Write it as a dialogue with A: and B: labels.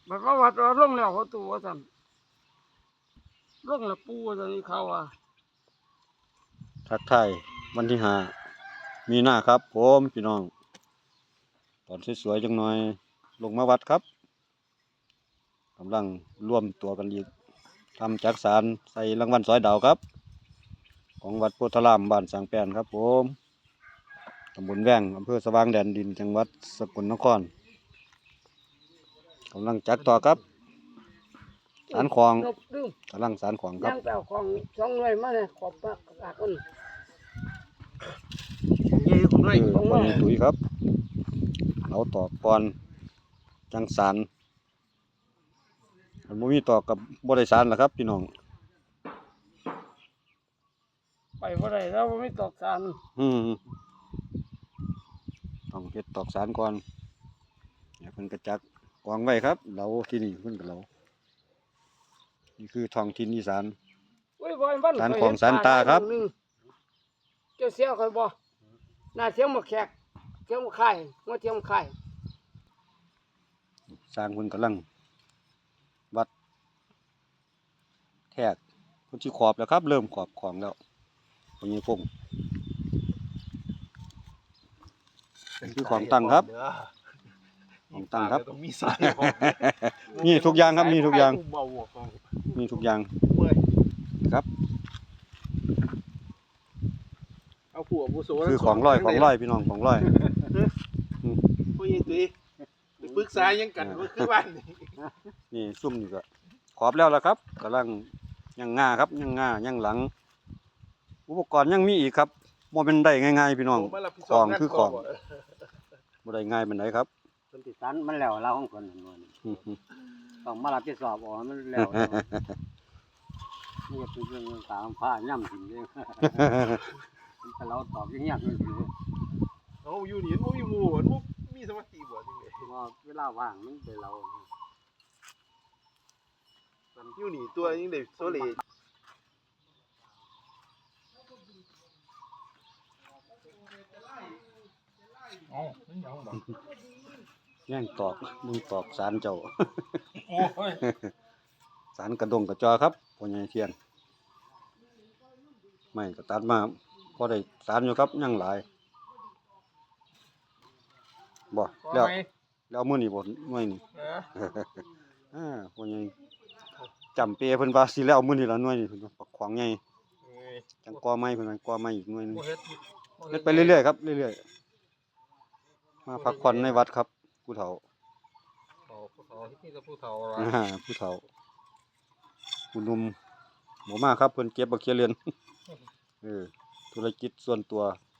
A: บัดว่าวัดว่าลงแล้วเขาตัวสั่นลงแล้วปูตอนนี้เขาว่า
B: ทักทายวันที่5 มีนาครับผมพี่น้องตอนสวยๆจังหน่อยลงมาวัดครับกำลังร่วมตัวกันอีกทำจักสารใส่รางวัลซอยดาวครับของวัดโพธารามบ้านสังแปนครับผมตำบลแว้งอำเภอสว่างแดนดินจังหวัดสกลนครกำลังจักต่อครับสารของ
A: นบดึง
B: กำลังสารของครั
A: ย่า
B: บ
A: งแปลของสองหน่วยมาเนี่ยขอบปากกาคน
C: ยี่ของด้วย
B: คือคนในตุ๋ยครับเราต่อก่อนจังสารมันบ่มีต่อกับบริษัทล่ะครับพี่น้อง
A: ไปบ่ได้แล้วไม่ตอกสาร
B: ต้องเฮ็ดตอกสารก่อนเนี่ยเพิ่นกระจักกองไว้ครับเราที่นี่เพิ่นก็เรานี่คือท้องถิ่นอีสาน
A: อุ้ยบ่อยบ้าน
B: สารของสารตาครับ
A: เจ้าเสียเคยบ่น่าเสียงมาแขกเสียงมาไข่มาเสียงมาไข่
B: สร้างเพิ่นกำลังวัดแทกเพิ่นสิขอบแล้วครับ เริ่มขอบของแล้วพญพงษ์คือของตั้งครับของตั้งครับ
C: มีสายของ
B: มีทุกอย่างครับมีทุกอย่าง
C: เบาหัวของ
B: มีทุกอย่าง
C: เมื่อย
B: ครับ
C: เอาผัวผู้โส
B: คือของร้อยพี่น้องของร้อย
C: ผู้ยิงตุ้ยไปปรึกษายังกันว่าคือบ้านนี่
B: นี่ซุ่มนี่ก็ขอบแล้วล่ะครับกำลังยังง่าครับยังง่ายังหลัง อุปกรณ์ยังมีอีกครับบ่เป็นได้ง่ายๆพี่น้อง
C: ผมมารับผิดช
B: ข
C: อ
B: อบ ง
C: งาน
B: คือของบ่ได้ง่ายปานใดครับ
D: เพิ่นสิสันมันแล้วเราของเพิ่นนั่นว่าต้องมารับผิดชอบเอาให้มันแล้วนี่ก็คือเรื่องตามผ้าย่ำถึงเด้มันแต่เราตอบอย่างเงี้ยคือ
C: เอาอยู่นี่มันมีหมู่มันมีสมาธิบ่จังได๋
D: ว่าเวลาว่างมันเป็นเรา
C: อยู่นี่ตัวยังได้โซเล
E: อ๋อนั่นยังบอก
B: แย่งตอกมึงตอกสารเจ้า
E: โอ้ย
B: สารกระดงกระจอครับพ่อใหญ่เทียนไม่ก็ตัดมาพอได้สารอยู่ครับยังหลายบ่
E: ก็
B: แล้ว
E: ไม่
B: แล้วมื้อนี้บ่มื้อนี้ พ่อใหญ่จำเปเพิ่นว่าสิแล้วมื้อนี้ละหน่วยนี่เพิ่นว่าปักของใหญ่จังกอไม้เพิ่นว่ากอไม้อีกหน่วยหนึง
E: บ่เฮ็ด
B: เฮ็ดไปเรื่อยๆครับเรื่อยๆมาพักผ่อนในวัดครับผู้เฒ่า
E: เขาที่นี่จะผู้เฒ่า
B: ผู้เฒ่าผู้หนุ่มบ่มาครับเพิ่นเก็บบักเขียเรียนธุรกิจส่วนตัว